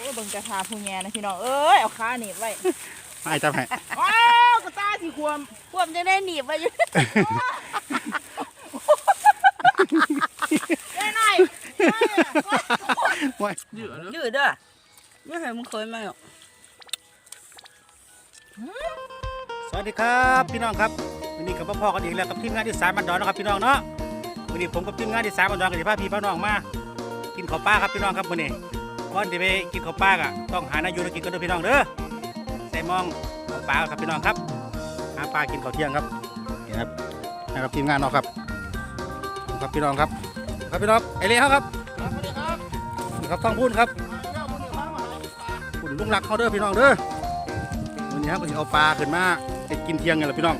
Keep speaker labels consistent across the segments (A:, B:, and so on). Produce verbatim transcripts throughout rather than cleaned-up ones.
A: เบิ่งกระทาผู้แง่นะพี่น้องเอ้ยเอาขาหนีบไว้
B: ไม่จับให้
A: ว้าวกระตาสีควม
C: ควมจะได้หนีบไว้อยู่
A: ได้หน่อย
C: ยืดยืดเด้อไม่เคยมึงเคยไหมหรอก
B: สวัสดีครับพี่น้องครับวันนี้กับพ่อกันอีกแล้วกับทีมงานที่สามบันดอนนะครับพี่น้องเนาะวันนี้ผมกับทีมงานที่สามบันดอนกับที่พาพี่พาน้องมากินข้าวปลาครับพี่น้องครับวันนี้ก่อนที่ไปกินข้าวปลาอ่ะต้องหานายูกินกันด้วยพี่น้องเด้อใส่มองข้าวปลาครับพี่น้องครับหาปลากินข้าวเที่ยงครับนี่ครับนะครับทีมงานเนาะครับครับพี่น้องครับครับพี่น้องไอเล่ครับสวัสดีครับครับต้องพูดครับคุณลุงรักเขาเด้อพี่น้องเด้อวันนี้ครับก็จะเอาปลาขึ้นมาไปกินเที่ยงกันแหละพี่น้อง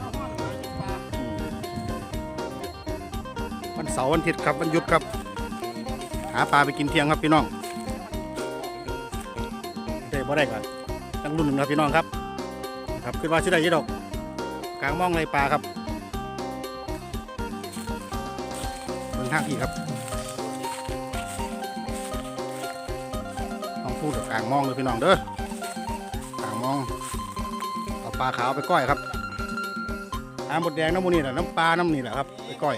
B: วันเสาร์วันอาทิตย์ครับวันหยุดครับหาปลาไปกินเที่ยงครับพี่น้องได้บ่ได้กันตั้งรุ่นหนึ่งครับพี่น้องครับครับขึ้นมาชื่อได้ยี่ดอกกลางมองไรปลาครับบนทางพี่ครับต้องพูดกับกลางมองเลยพี่น้องเด้อกลางมองเอาปลาขาวไปก้อยครับน้ำบดแดงน้ำมูนี่แหละน้ำปลาน้ำนี่แหละครับไปก้อย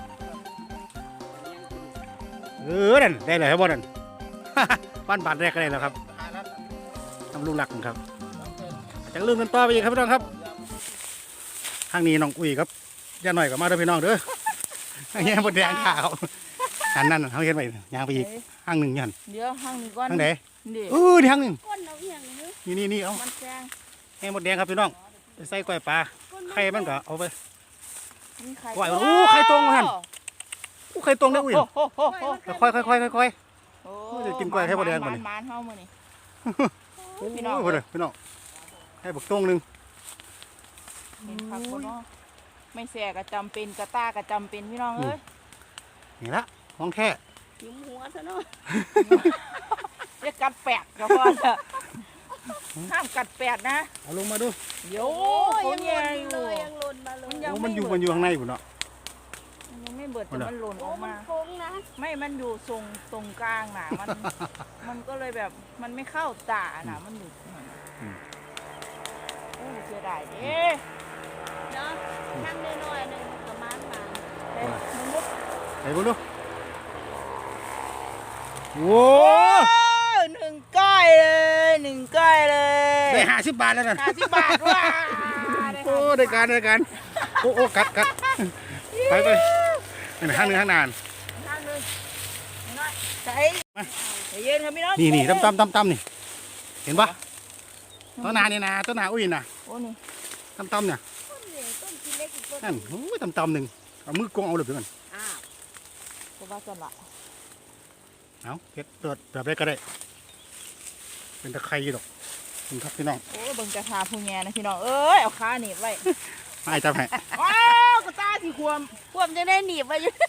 B: เออนั่นได้เลยครับบอลนั่นบ้านบาดแรกก็ได้แล้วครับทำลูกหลักครับจากลืมกันต่อไปอีกครับพี่น้องครับทางนี้น้องอุ้ยครับย่าหน่อยกับมาด้วยพี่น้องเด้อแง่บดแดงขาวอันนั้นเขาเห็นไปย่างไปอีกห้างหนึ่งยัน
A: เดี๋ยวห้างนี้ก้อน
B: ห้างไหนเออห้างหนึ่งนี่นี่นี่เอาแง่บดแดงครับพี่น้องใส่ก้อยปลาไข่มันก็เอาไปก้อยโอ้ไข่ตรงหันโอ้ไข่ตรงได้อุ้ยค่อยค่อยค่อยค่อยค่อยจะกินก้อยไข่บดแดงมาเนี่ย
A: มันเท่ามือนี่
B: พี่น้องพี่น้องให้บักตรงหนึ่ง
A: เห็นพักบนว่าไม่แสกระจำเป็นกระตากระจำเป็นพี่น้องเอ้ย
B: นี่ละห้องแค่
C: ยิ้มหัวซะเนาะ
A: จะกัดแปดก็พอละห้ามกัดแปดนะ
B: เอาลงมาดู
A: เดี๋ยว
C: ยังหล่นเลยยังหล่นมาเลย
B: มันอยู่มันอยู่ข้างในอยู่เนาะ
A: ยังไม่เบิดแต่มันหล่นออกมาไม่มันอยู่ทรงตรงกลางน่ะมันมันก็เลยแบบมันไม่เข้าตาน่ะมันอยู่โอ้เสียดายเด้
C: เนาะนั่งน้อยๆหนึ่งประมาณมา
A: เฮ้ยมึงมุด
B: ไหนบุญดูโว้
A: หนึ่งก้อยเลยหนึ่งก้อยเลย
B: ได้ห้าสิบบาทแล้วนะ
A: ห้าสิบบาทว้า
B: โอ้ได้การได้การโอ้โอ้กัดกัดไปไปนี่ข้างหนึ่งข้างนาน
A: ข้างหนึ่งน้อยใส่ใจเย็นครับพี่น้อง
B: นี่นี่ตั้มตั้มตั้มตั้มนี่เห็นปะต้นนานี่นะต้นนาอุ้ยนะ
A: โอ้นี่
B: ตั้มตั้มเนี่ยนั่นโอ้ยตั้มตั้มหนึ่งเอามือกงเอาเลยเพื่อน
A: อ้าวก็ว่าจะละ
B: เอาเก็บเปิดแบบได้ก็ได้เป็นตะไคร้ดอกคุณครับพี่น้อง
A: โอ้เบิ่งกระทาผู้แง่นะพี่น้องเอ้ยเอาขาหนีบไว้
B: ไม่จับให้
A: ว้าวกระตาสีควม
C: ควมจะได้หนีบไว้อยู่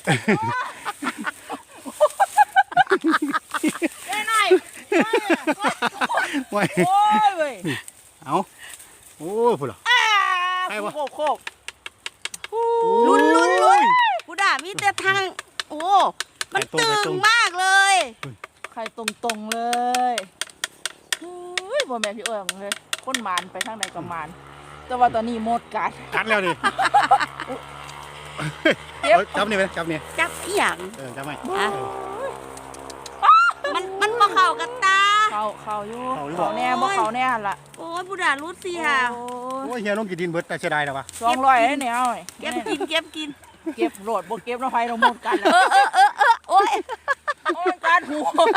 A: ได้หน่อย
B: โอ้ย
A: เว้ย
B: เอาโอ้พูดหรอ
A: ใครวะโคกโคก
C: ลุ้นลุ้นลุ้นกูด่ามีแต่ทางโอ้มันตึงมากเลย
A: ใครตรงตรงเลยเฮ้ยบ่แม่พี่เอิงเลยก้นมานไปทางไหนกับมานแต่ว่าตอนนี้หมดกัด
B: กัดแล้วดิจับนี่ไหมจับนี่
C: จับอีหยัง
B: เออจับไหม
C: มันมันมาเข่ากันตา
A: เข่าเข่าอยู่เข่าแน่บ่เข่าแน่ละ
C: โอ้ยผู้ด่ารู้สิค่ะ
B: โอ้ยเฮียน้องกินดินเบิดแต่เสียดายแล้ววะ
A: สองร้อยให้เนี่ย
C: เก็บกินเก็บกิน
A: เก็บโหลดบ่เก็บน้ำไฟเราหมดกัน
C: เออเออเออเออโอ้ย
A: โอ้ยการหู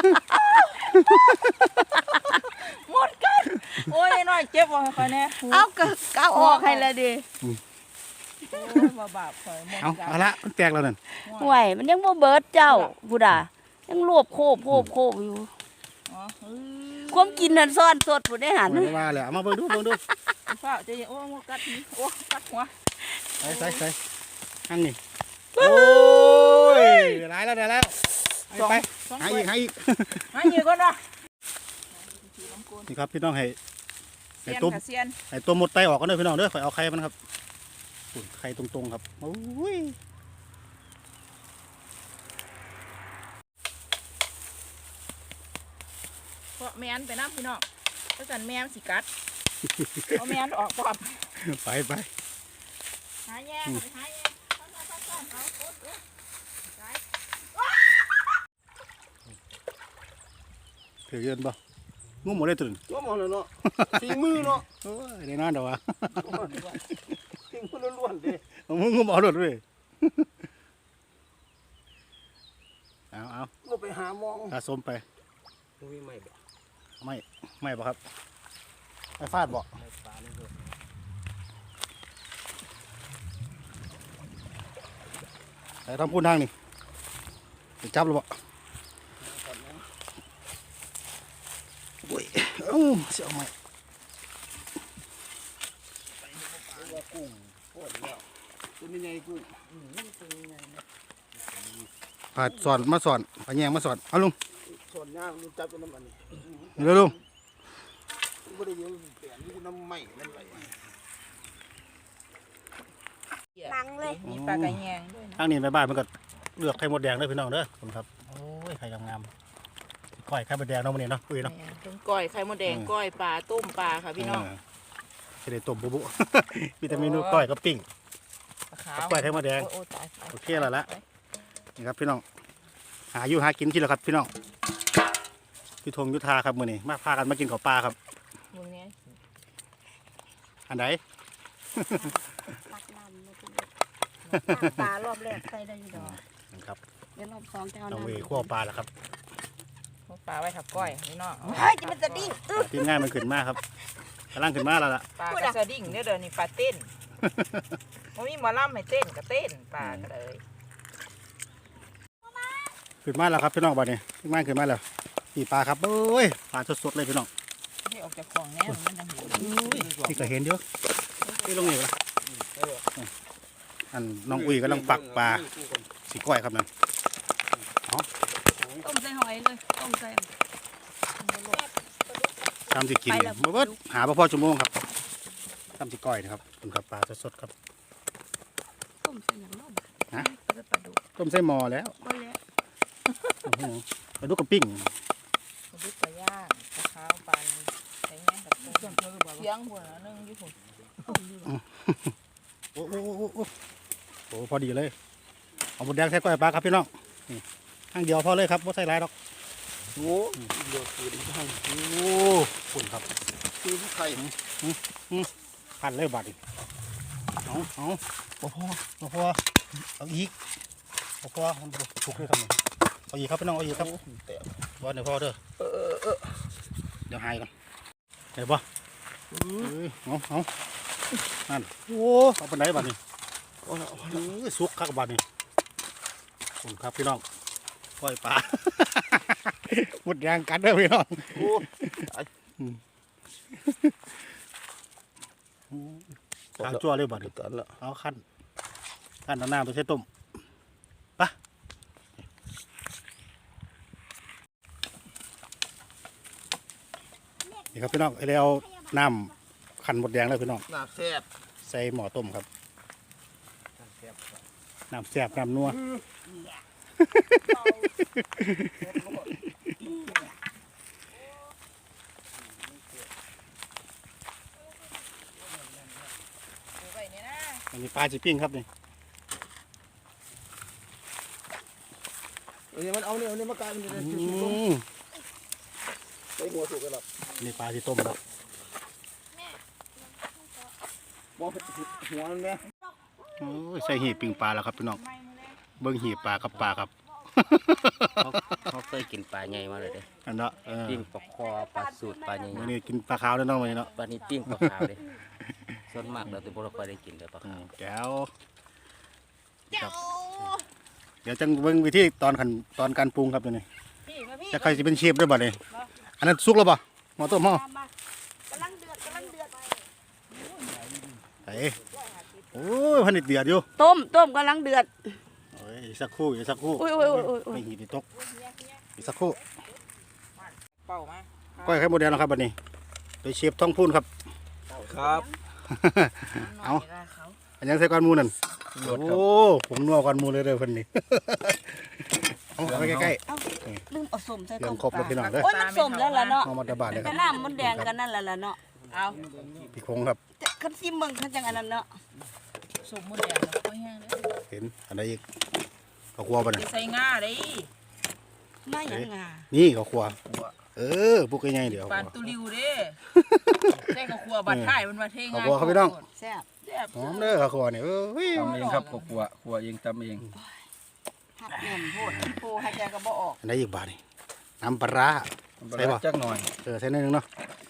A: หมดกันโอ้ยน้อยเจ็บว่าใครแน่
C: เอากะกะออกให้เลยดิ
A: บาบาปคอยหมด
B: เอาเอาละมันแตกแล้วนั่น
C: ห่วยมันยังบ่เบิดเจ้าผู้ด่ายังรวบโคบโคบโคบอยู่ความกินนั่นซ่อนสดผู้ได้หัน
B: ว่าเลยเอามาเบิ่งดูเบิ่งดู
A: ฝ้าจะโอ้กัดโอ้กัดหัว
B: ใส่ใส่ใส่อันนี้โอ้ยได้แล้วได้แล้วไปหาอีกหาอีก
A: หาอีกก่อนนะ
B: นี่ครับพี่น้องให้
A: ให้ตุ้ม
B: ให้ตัวหมดไตออกกันเลยพี่น้องเด้อข่อยเอาไข่มันครับไข่ตรงๆครับโอ้ย
A: แมนไปน้ำพี่น้องเพราะฉะนั้นแมนสิกัดเอาแมนออกปอด
B: ไปไป
A: หาแย่ไปหาแย่ซ่อนซ่อนซ่อนเอาโคตรเลยไป
B: ถือเงินบ่งูหมดเลยตื่น
D: ก็มองเลยเนาะฝีมือเนาะ
B: โอ้ยได้นอนเดี๋ยววะ
D: ฝีมือล้วนๆเด้
B: เอามึงงูเอาหลดเลยเอาเอา
D: ก็ไปหามอง
B: ตาสมไป
D: มีไม่บ่
B: ไม่ไม่บ่ครับไม่ฟาดบ่
D: ไม่ปลาเลยเด้อ
B: แต่ทำพูดทางนี่จะจับหรือบ่โอ้ยเอ้าเสียวไหม
D: ว่ากุ้งโคตรแล้วตัวนี้ใหญ่กุ้ง
B: ผาดสอนมาสอนผาแยงมาสอนเอาลุง
D: ส่วนย่างมันจับเป็นน้ำมันนี่
B: เร็วลุง
D: บ่ได้เยอะเปลี่ยนนี่น้ำไหม้น้ำไหล
C: ตังเลย
A: มีปลากระแยงด้วยนะ
B: ทางนี้ไปบ้านมันก็เลือกไข่มดแดงเลยพี่น้องเด้อผมครับโอ้ยไข่งามๆก้อยไข่มดแดงเนาะมื้อนี้เนาะอุ้ยเนาะ
A: ทั้งก้อยไข่มดแดงก้อยปลาต้มปลาค่ะพี่น้อง
B: จะได้ต้มบุบุ มีแต่เมนูก้อยกับปิ้ง
A: ปลาขาว
B: ก้อยไข่มดแดง
A: โอ้ตายตาย
B: โอเคแล้วละ นี่ครับพี่น้องหาอยู่หากินที่แล้วครับพี่น้องพี่ธงยุทธาครับมื้อนี้มาพากันมากินข้าวปลาครับ
A: มึงเนี้ย
B: อันไหน
C: ตักน้ำมากินปลารอบแรกใส่ได้อยู่ดอก
B: นะครับ
C: เดี๋ยวรอบสองจะเอา
B: น้อง
C: น้ำ
B: เวคั่วปลาแล้วครับ
A: ปลาไว้ทับก้อยพี่น้อง
C: เฮ้ยจะมันจะดิ้งอึ๊บ
B: ทีมงานมันขึ้นมาครับกำลังขึ้นมาแล้วล่ะ
A: ปลากระสดิ่งเนี่ยเดี๋ยวนี้ปลาเต้นมันมีหมอลำให้เต้นก็เต้นปลาก็เลย
B: ขึ้นมาแล้วครับพี่น้องบัดนี้ทีมงานขึ้นมาแล้วนี่ปลาครับโอ้ยปลาสดๆเลยพี่น้อง
A: ที่ออกจากของแน่มันจะเห็น
B: นี่ก็เห็นเดียวนี่ลงนี่ละอันน้องอุ้ยกำลังปักปลาสีก้อยครับนั่น
C: ต้มใส่หอยเลยต้มใส่
B: ทำสิกินเนี่ยมาเบิดหาพ่อพ่อชั่วโมงครับทำสิก้อยนะครับคุณครับปลาสดๆครับ
C: ต้มใส่อย่างน้อย
B: ฮะ
C: ปลาดุก
B: ต้มใส่หม้อแล้ว
C: ก็แล้ว
B: ปลาดุกกับปิ้ง
A: ปลาดุกปลาย่างปลาขาวปลาใส่แง่กับเสียงหัวนึงอยู่ผม
B: โอ้โหโอ้โหโอ้โหพอดีเลยเอาหมดแดงใส่ก้อยปลาครับพี่น้องนี่ข้างเดียวพอเลยครับไม่ใส่หลายหรอก
D: โอ้เดือดเดือดให้
B: โอ้ฝุ่นครับ
D: คือผู้ไข่
B: พันเลยบาดอีกเอาเอาโอ้โหโอ้โหเอาอีกโอ้โหมันถูกเลยครับเอาอีกครับพี่น้องเอาอีกครับ
D: แต่
B: บอลเดี๋ยวพอเด้อ
D: เออเออเออ
B: เดี๋ยวหายก่อนเดี๋ยวบ่เอ้ยเอาเอานั่นโอ้เอาไปไหนบาดนี้
D: เอาละเอา
B: เอ้ยสุกครับบาดนี้ขอบคุณครับพี่น้องปล่อยปลา หมดแรงกันเด้อพี่น้อง
D: โอ้
B: ขาวจั่วเลยบาดนี้
D: ตันละ
B: เอาขั้นขั้นเอาน้ำไปใช้ต้มไปะนี่ครับพี่น้องไอ้เราเอาน้ำขันหมดแดงแล้วพี่น้อง
D: หน้าแซ่บ
B: ใส่หม้อต้มครับน้ำแซ่บน้ำนัวอันนี้ปลาจีปิ้งครับนี่
D: เอ้ยมันเอาเนี่ยเอาเนี่ยมากลายเป็น
B: อื
D: จุด
B: ม
D: ไปหัวสุกกันหรอ
B: นี่ปลาจีต้มครับ
D: มองหัวมันไหม
B: โอ้ยใส่หีบปิ้งปลาแล้วครับพี่น้องเบิ้งหีบปลากับปลาครับ
E: เขาเขาเคยกินปลาใหญ่มาเลยเด้
B: อันเนาะเออ
E: ปิ้งปลาคอปลาสูตรปลาใหญ่
B: วันนี้กินปลาขาวแล้วเนาะวันนี้เนาะ
E: ปลานี้ปิ้งปลาขาวเลยส่วนมากเราจะบ่ค่อยได้กินเลยปลา
B: อื
E: ขาว
B: มแก้วครับเดี๋ยวจังเบิ้งวิธีตอนขันตอนการปรุงครับตัวนี้
A: พี่มาพี่
B: จะใครจะเป็นเชฟด้วยบัดนี้อันนั้นสุกแล้วป่ะหม้อต้มหม้อ
C: มากำลังเดือดกำลังเดือด
B: ไอ้โอ้ยพันนิดเดือดอยู่
C: ต้มต้มกำลังเดือด
B: โอ้ยอีกสักครู่อีกสักครู่
C: อุ้ยอุ้ยอุ้ยอุ้ยอุ้ย
B: ไม่หีบตกอีกสักครู่
A: เป่ามา
B: ก้อยไข่มดแดงแล้วครับบัดนี้โดยเชฟท้องพูนครับ
D: ครับ
B: เอา อันยังใส่ก้อนหมูนั่นโอ้ผมนัวก้อนหมูเลยเด้อเพิ่นนี่เอาเอาไปใกล้
C: เอ้าลืมเอาส้มใส่
B: ๆเรื่
C: ต้
B: อง
C: ม
B: ครบแล้วพี่น้องเด้อ
C: โอ้ยมันส้มแล้วล่ะเนาะ
B: เอามาตะบาดเลยค
C: ก็
B: รับ
C: น้ำมันแดงกันนั่นแหละล่ะเนาะเอา
B: พี่คงครับ
C: แต่คันซิมเบิ่งคันจังอันนั้นเนาะ
A: สมมติแดงแล้วก็แห้งเลย
B: เห็นอันใดอีกข้าวคั่วป่ะ
A: ไป
B: เนี่ย
A: ใส่ง่าเลย
C: มาหยังงา
B: นี่ข้าวคั่วเออพวกใหญ่ๆเดี๋ยว
A: ปานตุลิวเด้ใส่กับครัวบัดท้ายมันมาเทงา
B: ข้าวคั่วครับพี่น้อง
C: แซ่บ
A: แซ่บ
B: หอมเด้อข้าวคั่วเนี่ยเอ้ย
D: ตำเองครับก็ครัวครัวเองตำเอง
C: ผักแหนมโพดโพหายใจก็บ่ออก
B: อันใดอีกบาทนี่น้ำปลาร้า ใส่บ่
D: จักหน่อย
B: เออใส่หนิดนึงเนาะ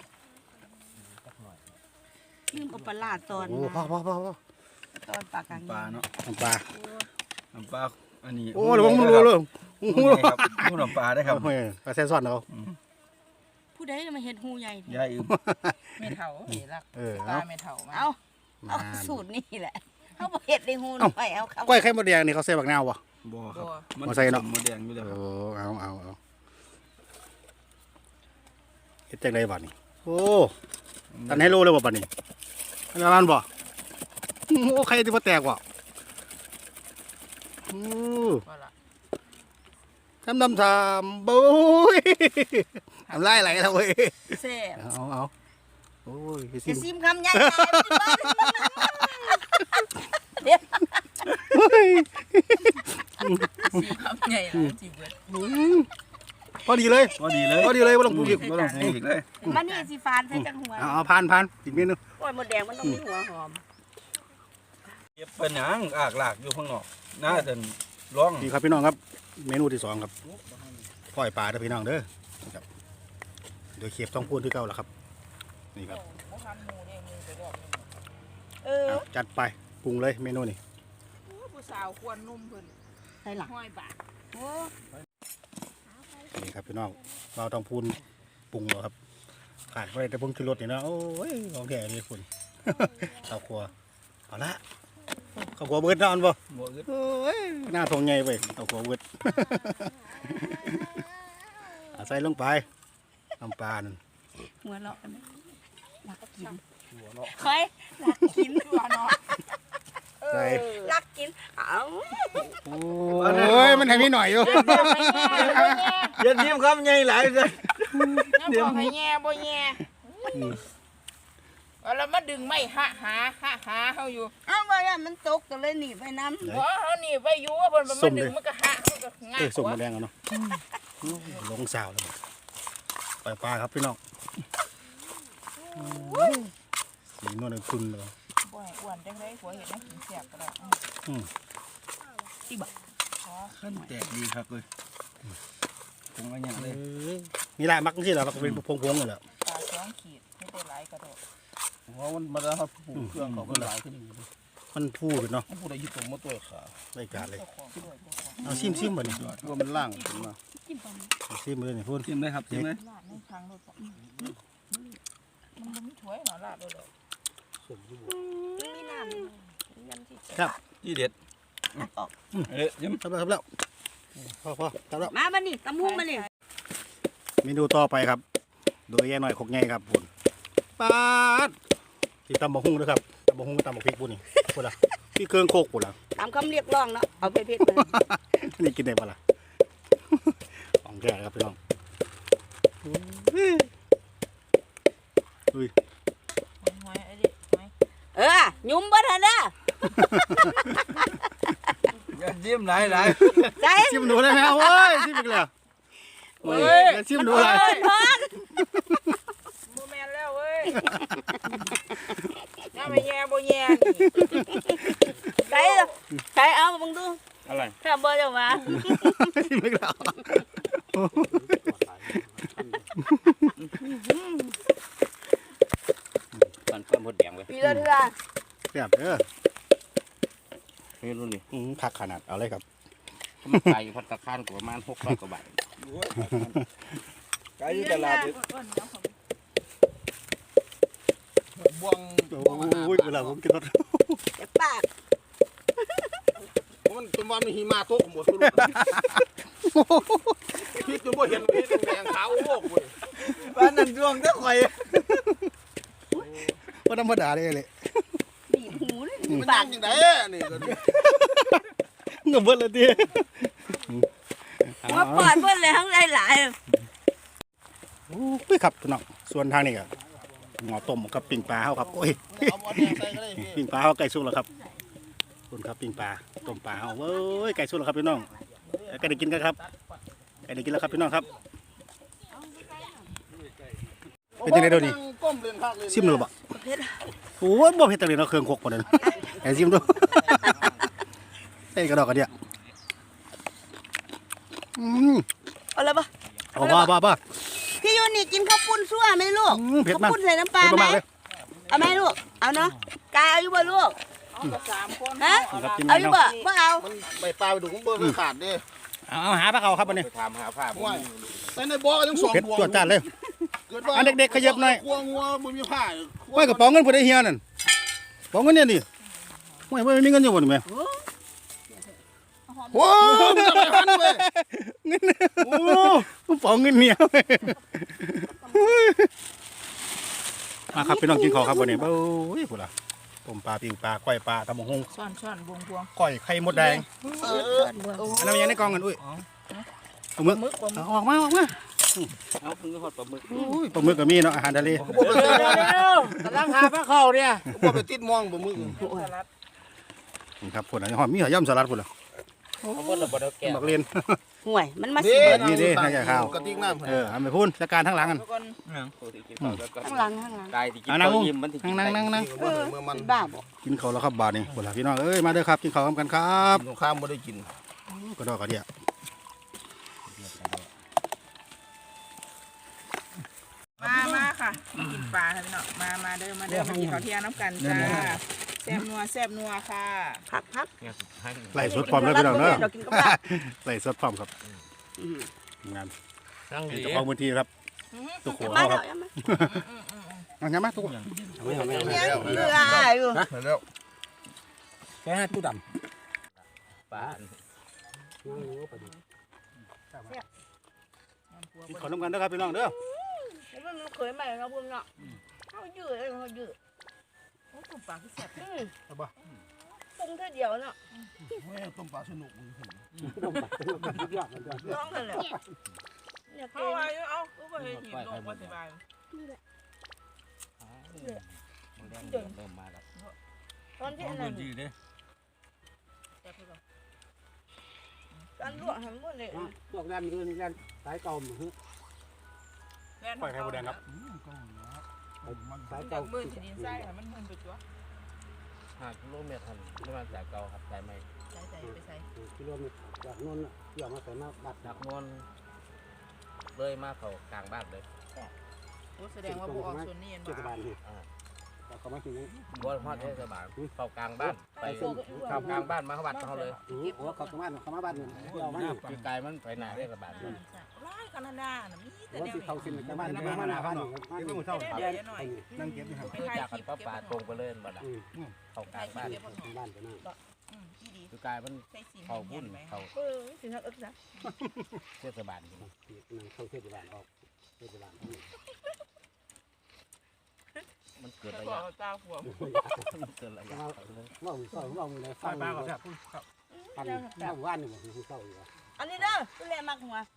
C: ลืมเอาปลาร้าตอน
B: โอ้พ่อพ่อพ่อพ่อ
C: ตอนปากกลาง
D: ปลาเนาะ
B: น้ำปลา
D: น้ำปลาอันนี้
B: โอ้เดี๋ยวผมรู้เลย
D: หูใหญ่ครับหูน้ำปลาได้ครับ
B: โอ้ยปลาแซ่ซ้อนเอา
C: ผู้ใดมาเฮ็ดหูใหญ่
D: ยายอืม
A: เม็ดเถาเห็นลัก
B: เออ
A: ปลา
B: เอา
A: เม็ดเถามา
C: เอาเอาสูตรนี่แหละเฮาบ่เฮ็ดได้หูหน่อยเอาเข้า
B: ก้อยไข่มดแดงนี่เขาใส่บักนาวบ่
D: บ่ครับ
B: บ่ใส่เนาะ
D: หมดแดงอยู่แล้ว
B: เอ
D: ครับ
B: อเอาเอาเอาเฮ็ดจังไดบัดนี้โอ้ตันให้โลเลยบ่บัดนี้อันนั้นบ่โอ้ไข่ที่บ่แตกบ่โอ้
A: ว่าละ
B: ทำทำทำบุ้ยทำไรไหลแล้วเว้ย
C: แซ่บ
B: เอาเอาโอ้ยพี่ซิ
C: จะ
B: ม
C: ซิมคำใหญ่ๆเดี๋ยว
A: สีคำใหญ่เลยจีเบิด
B: อืมพอดีเลย
D: พอดีเลย
B: พอดีเลยบ่ต้องปรุงอีก
D: บ่ต้องปรุงอีกเลย
C: มันนี่สิฟานใส่จังหัว
B: เอาเอาผ่านผ่านอีกเมนู
C: โอ้ยหมดแดงมันต้องมีหัวหอม
D: เก็บเป็นหยังอากลากอยู่ข้างนอกน่าจะร้อง
B: นี่ครับพี่น้องครับ เมนูที่สองครับก้อยปลาเด้อพี่น้องเด้อครับโดยเคียบต้องพูดที่เก่าแล้วครับนี่ครับ
A: บ่ทันหมูเด้มือไปรอบนึง
C: เออ
B: เอาจัดไปปรุงเลยเมนูนี่
A: โอ้ผู้สาวควรนุ่มเพิ่น
C: ใส่หลัง
A: ห้อยบาท
C: โอ้
B: นี่ครับพี่น้องเราต้องพูนปรุงแล้วครับขาดไปแต่ปรุงคือรสนี่นะโอ้ยของแก่นี่คุณ ข้าวครัวเอาละข้าวครัวเบิดนอนบ่
D: บ่อึด
B: โอ้ยหน้าทองใหญ่ไปข้าวครัวเบิด เอาใส่ลงไปน้ำปลานั่น
C: หัวเราะกันนะรักกิน
D: หัวเนาะ
C: เคยรักกิน
A: ตัวเนาะ
B: ใส่
C: รักกินเอ้า
B: โอ้ยมันให้มีหน่อยอยู่
D: อย่าทิมครับใหญ่หลายเลย
A: ยังบอกให้แง่บ่แง่เอาแล้วมาดึงไม่หะหาหะหาเฮาอยู่
C: เอ้าว่ามันตกก็เลยหนีไปน้ำ
A: บ่เฮานี่ไปอยู่ว่าเพิ่นมันมาดึงมันก็หะมันก็ง่า
B: เอ้
A: ย
B: ย
A: ก
B: ส่ง
A: ว่า
B: มาแดงเอาเนาะลงสาวแล้วปล่อยปลาครับพี่น้องสีนวลเลยคุณเลย
A: บ่ให้อ้วนจังได๋ผัวเฮ็ดให้กินแซ่บก็ได้
D: ขั้นแตกดีครับเลยปรุงอะไรอย่างเลย
B: นี่แหละมักที่เรามักเป็นพงๆเลยแหละ
A: ปลาสองขีดไม่ได้หลายกระโดด
D: เพราะมันมาแล้วครับปรุงเครื่องเขาก็หลายขึ้นอย่างนี้
B: มันพูดเนาะ
D: ผู้ใดยึดตัวมาตัวขา
B: รายการเลย
A: เจ้าของด้วยเจ้าของ
B: เอาซิมซิมบ่นี่
D: ว่ามันล่างขึ้นมา
B: เอาซิมเลยนี่พูด
D: จิ้มเลยครับจิ้มเลย
A: ลาดในทางรถบ่มันบ่มีถ้วยเนาะลาดเลย
C: มีน้ำยังสิ
B: ครับ
D: ที่เด็ดเอ๊ะยิ้ม
B: ครับแล้วครับแล้วพอพอครับแล้ว
C: มาบัดนี้ตำหุ้งมานี่
B: เมนูต่อไปครับ โดยแย่หน่อยขกใหญ่ครับพุ่นปาดที่ตำบะฮุ่งด้วยครับตำบะฮุ่งกับตำบะพริกพุ่นนี่พุ่นละพี่เครื่องโคกพุ่นละ
C: ตามคำเรียกร้องเนาะเอาไปเผ็ดเลย
B: นี่กินได้ปะล่ะ ของแก่ครับพี่น้องอุ้ย
A: หอยไอ้ดิหอย
C: เออยุ่มบ่ทันเด้อ
D: อย่าจิ้มหลายหลาย
C: ใจ
B: ชิมหนูได้ไหมเอาเว้ยชิมอีกแล้วเฮ้ยอย่าชิมหนูอะไร
C: เอิ้นพอน
A: บ่แม่นแล้วเว้ยน้าไม่แย่บ่แย่นี่
C: ใจใจเอามึงดู
D: อะไร
C: ถ้าบ่จะมา
B: ชิมอีกแล้ว
E: มันเพิ่มหมดแดงไว้
C: ปีละเทื่อ
B: แซ่บเด้อ
E: ไม่รู้นี่
B: อืมผักขนาดเอาเลยครับ
E: มันขายอยู่พัตตาคารก็ประมาณหกร้อยกว่าบาท
D: ไก่ตลาดบ่วง
B: โอ้ยเวลาผมกินรส
C: เจ็บปาก
D: มันจนวันมีหิมะตกหมดทุกพี่จนบ่เห็นเห็นแดงขาวโลกเว้ยบ้านนั่นดวงเด้อข่อย
B: ว่าธรรมดาเลยเลย
C: บีบหูเลย
D: มัน
C: ปา
D: ยั
C: ก
D: งจังได๋นี่ก็
B: เงือบเบิดเลยที
C: มาปอดเพิ่นเลยทั้งหลาย
B: โอ้ยครับพี่น้องส่วนทางนี้ก็หมอต้มกับปิ้งปลาเฮาครับโอ้ยปิ้งปลาเฮาไก่สุกแล้วครับคุณครับปิ้งปลาต้มปลาเฮาเว้ยไก่สุกแล้วครับพี่น้องไก่ได้กินกันครับไก่ได้กินแล้วครับพี่น้องครับเป็นยังไงเดี๋ยวนี้ซิมดูบ่
C: ๆเพชร
B: โอ้ยบ่เผ็ดจังเลยเนาะเครื่องคกหมดเลยไอ้ซิมดูไอ้กระดอกกระเดียอืม
C: เอาละปะ
B: เอาบ้าบ้าบ้า
C: พี่ยูนี่กินข้าวปุ้นซั่วไหมลูก
B: อืมเผ็ด
C: ข้าว
B: มาก
C: ปุ้นใส่น้ำปลา
B: เผ็ด
C: ไหม
B: มากเลย
C: เอาไหมลูกเอาเนาะกายเอาอยู่บ่ลูก
A: เอากับสามคน
C: ฮะ
B: ครับกิน
C: เอาอยู่บ่บ่เอา
F: ใบปลาไปดูของเบอร์มันขาดดิ
B: เอาเอาหาปลาเขาครับวันนี้
E: ไปถามหาภาพ
F: ว่าแต่ในบ่อก็ยังสอง
B: เผ็ด
F: ดวง
B: จวดจ้านเลย
F: เกิดว่า
B: อันเด็กๆขยับหน่อย
F: กลัวงัวบ่มีผ้า
B: ไว้กระเป๋าเงินผู้ใดเฮียนั่นกระเป๋าเงินเนี่ยนี่ไว้ไว้มีเงินอยู่บ่นี่แม่
F: โอ้มันจะไปหันเว้ย
B: เงินโอ้กระเป๋าเงินเนี่ยมาครับพี่น้องกินข้าวครับวันนี้เบ้ยพุ่นล่ะต้มปลาปิ้งปลาก้อยปลาตำบักหุ่ง
A: ช้อนช้อนบวงบวง
B: ก้อยไข่มดแดง
F: เออ
B: อันนั้นยังในกล่องกันอุ้ยปลาหมึก
A: มึกปลาหมึ
B: เอา
A: ก
B: ออกมาออกมา
E: เอาคือฮอดปลาหมึก
B: อุ้ยปลาหมึกก็มีเนาะอาหารทะเล
F: บ่ไปติด
E: กำลังหาปลาเข้าเนี่ย
F: บ่ไปติดมองบ่มึง
A: สลัด
B: นี่ครับพุ่นน่ะหอมมีหอย่ำสลัดพุ่นล่ะ
E: เอาบ่ละบ่ได้แก่
B: บักเรียน
C: ห่วยมันมา
F: นี่
C: สิเบิด
B: นี่ดิน่าจะข้าว
F: กระติกน้ำ
B: เออเอาไปพุ่นจัดการทั้งหลังกัน
A: แล้วก็
E: โอ้ที่กินข้าวแล้วก็
C: ข้างหลังข้างหลัง
E: กายที่กิน
B: เอานั่ง
E: ข้าว
B: ลง
E: ยิ้มมันที่กิน
B: นั่งนั่งนั่ง
F: เมื่อเมื่อมัน
C: เป็นบ้าบ่
B: กินข้าวแล้วครับบาทนี่พุ่นล่ะพี่น้องเอ้ยมาเด้อครับกินข้าวกันครับ
F: สงครามบ่ได้กิน
B: กระดอกกระเดีย
A: มามาค่ะกินปลาค่ะพี่น้องมามาเด้อมาเด้อมากินข้าวเที่ยงน้ำกันจ้าแซ่บนัวแซ่บนัวค่ะ
C: พักพัก
E: เนี่ยให้
B: ไล่สดพร้อมเลยพี่น้องเด้อ
C: เรากินกับข้าว
B: ไล่สดพร้อมครับ
C: อืม
B: งาน
E: นั่ง
B: เป็น
E: ดี
B: เจ้าของพื้นที่ครับตุกหัว
C: มา
B: เขาค
C: แล้
B: รับ
C: วยังมา
B: เอาไงมาตุกหัว
C: เนี่ยเกลืออยู่
F: แล้ว
B: แค่ตู้ด
E: ปลา
B: ำกินข้าวน้ำกันเด้อครับพี่น้องเด้อ
C: มันเคยใหม่ครับพุ่นเนาะเขายืดเลยเขายืด
A: โอ้ตุ่มปลาที่แซ่บ
C: อืมปรุงแค่เดียวเนาะ
F: ต้มปลาสนุก
C: น้องกันแล้วเนี่ย
A: เอาไว้เอาก็ไปเห็นหินลงมาสบาย
E: มันแดงเริ่มมาแล้ว
C: ตอนที่อันนั้น
E: ดีเด้
A: แซ่บพี่น้อง
C: ตอนลวกหันหมดเลย
G: พวกแรมยืนแรมสายเก่าหมือ
A: แล่น
B: ปล่อยไข่มดแดงครับ
G: สาย
A: จา
G: เก่าก
A: มือที่ดินไส้ค่ะมันมันไปตัว
E: ห้ากิโลเมตรทันประมาณสายเก่าครับสายใหม่
A: ใส่ใส่ไปใส่
G: กิโลเมตรจากนนท์เกี่ยวมาใส่มาบัด
E: จากนนเลยมาเข้ากลางบ้านเลย
A: โอ้แสดงว่าพวกออกส่วนนี้เห็น
G: เทศ
A: บ่
G: บาลนี่แต่เขามาถึงนี้
E: บ่ฮอดเทศบาลเข้ากลางบ้านไปเข้ากลางบ้านมาเข้าวัดเขาเลย
G: โอ้โหเขาสามารถเขามาบ้านเนี่ยเรามา
E: คือกายมันไปหน้าเทศบาล
A: ร้ายกันนาน่ะมีแต่
G: ว่า
A: เดียว
G: ที่เขาขึ้นในบ้านมาหน้าบ้านนี่บ้านนี่
A: เดี๋ยวหน่อย
B: นั่งเก็บอยู่ครับ
E: คือจากกันป้าป่าตรงไปเลยบ่ล่ะเข้ากลางบ้าน
G: บ้านไปนั่น
A: อืมที่ดี
E: คือกายมัน
A: ใส่สี
E: เข้าบุญเข้า
C: เออสิทักอึกซะ
E: เทศบาล
G: นั่งเข้าเทศบาลออกเทศบาล
E: มันเกิด
A: แต่
E: ระ
A: พอย
E: ะ
A: ตาหัว
E: มันเกิดระยะ
G: ว่ามือเศร้าว่ามือไหนฟังปลาก็แซ่บพันข้าวว่านนี่มันคือเศร้าอยู่
C: อันนี้เด้อตัวแรกมักหัว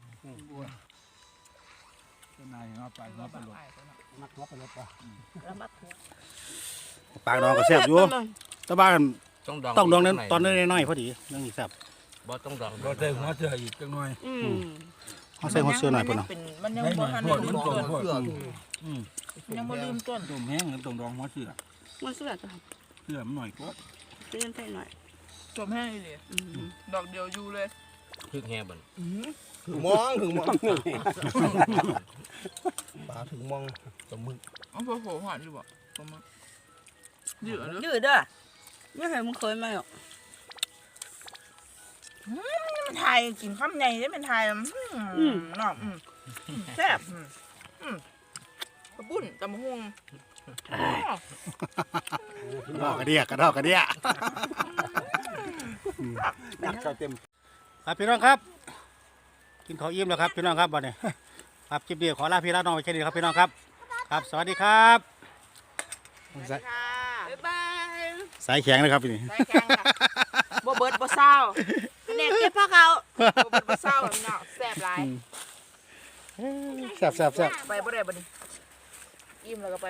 F: นายเอาไปเอาไปลง
G: มักหัวไปรถปลา
C: แล้วมักหัว
B: ปากน้องก็แซ่บอยู่แต่บ้าน
E: ต้องดอง
B: ต้องดองนั้นตอนน้อยๆพอดีนั่งอีแซ่บ
E: บ่ต้องดอง
F: บ่ได้หัวเจออีกจังหน่อย
C: อืม
B: เขาใส่หัวเสื้อหน่อยพุ่นเนาะ
A: มันยังบ่ทัน
F: โทษมันตรงโทษ
A: ยังบ่ลืมต้น
F: ต้มแห้งตรงดองหัวเสือ
C: มันสุดจ้ะ
F: เสือมันหน่อยก็
C: เตือนใส่หน่อย
A: จมแห้งเลย
C: อืม
A: ดอกเดียวอยู่เลย
E: พึกแห่บ่
F: ถึงมองถึงมองปลาถึงมองตมึก
A: เอาพอโหหวานอยู่บ่ประมาณยืดเลย
C: ยืดเด้อไม่เคยมึงเคยไหมหรอก
A: มันไทยกินข้ามใหญ่ได้เป็นไทยอืมเนาะอืมแซ่บอืมกระปุ้นตำมะฮุง
B: กระดอกกระเดียกระดอกกระเดีย
G: เข้าเต็ม
B: ครับพี่น้องครับ กินข้าวอิ่มแล้วครับพี่น้องครับวันนี้ครับคลิปเดียวขอลาพี่ลาน้องไปแค่นี้ครับพี่น้องครับครับสวัสดีครับสาย
A: บ๊ายบาย
B: สายแข็งนะครับพี่นี่
A: ได้แกงค่ะบ่เบิดบ่เศร้า
C: นี่แนกเก็บผ้าเขา
A: บ่เป็นบ่เศร้าแบบนี้เนาะแซ่บหลาย
B: แซ่บแซ่บแซ่บ
A: ไปบ่ได้บ่นี่อิ่มแล้วก็ไป